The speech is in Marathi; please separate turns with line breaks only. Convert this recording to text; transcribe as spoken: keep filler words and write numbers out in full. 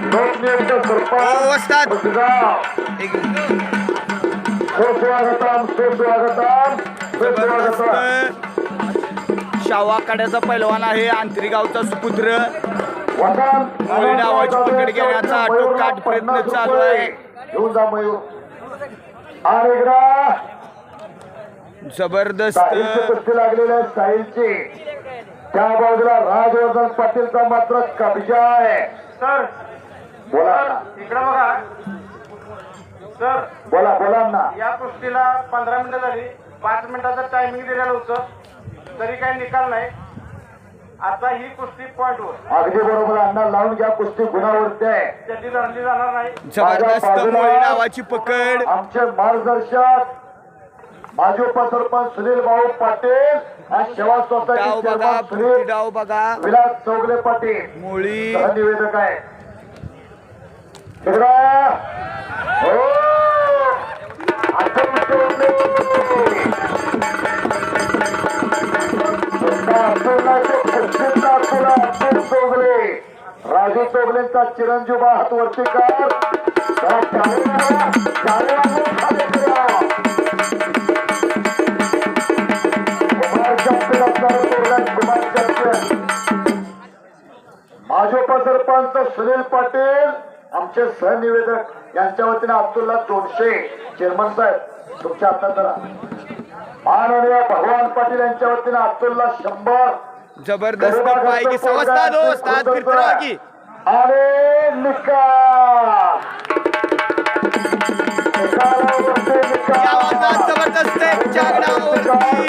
लोकनियुक्त
ओ, वस्ताद.
सरपंच गाव
एक
सुस्वागतम सुस्वागतम सुस्वागतम
जबरदस्त शावा काड्याचा पैलवान आहे आंतरी गावचा सुपुत्र
वसंत
मोरी डावाची पकड घेण्याचा आटोकाट प्रयत्न चालू आहे.
घेऊन जा मयूर आणि इकडं
जबरदस्त
साहिलची कुस्ती लागलेल्या साहिलची त्या बाजूला राजवर्धन पाटीलचा मात्र कब्जा आहे.
सर
बोला
इकडे बघा सर,
बोला बोला ना.
या कुस्तीला पंधरा मिनिटं झाली, पाच मिनिटाचं टायमिंग दिलेलं होतं तरी काही निकाल नाही. आता ही कुस्ती पॉइंटवर
अगदी बरोबर अण्णा लावून घ्या. कुस्ती गुणावरती आहे.
त्याची धरली जाणार नाही.
जबरदस्त मोरी डावाची पकड
आमचे मार्गदर्शक माजी उपसरपंच सुनील भाऊ पाटील आणि सेवा
डाव
सोसायटी
बघा
चेअरमन
पुढची
सुनील
डाव बघा
विलास चौगले पाटील
मोळी
निवेदक आहे. इकडं. हो. आता कुस्ती होते. अतुलनाचे कुस्तीचा अतुल अतुल चौगले राजू चौगलेंचा चिरंजीव हात वरती कर. त्या टाळीला- टाळी वाजवून खाली करा. कुमार चॅम्पियन असणारा चौगले, कुमार चॅम्पियन. माजी उपसरपंच सुनील पाटील आमचे सहनिवेदक यांच्या वतीने अब्दुल्ला दोनशे चेअरमन साहेब तुमच्या हातात जरा. माननीय भगवान पाटील यांच्या वतीने अब्दुल्ला शंभर.
जबरदस्त पाय की समजता दोस्ताद फिरतो की
आणि निकाल निकालावरती
या
निकाल.
वादात जबरदस्त एक जागडावरती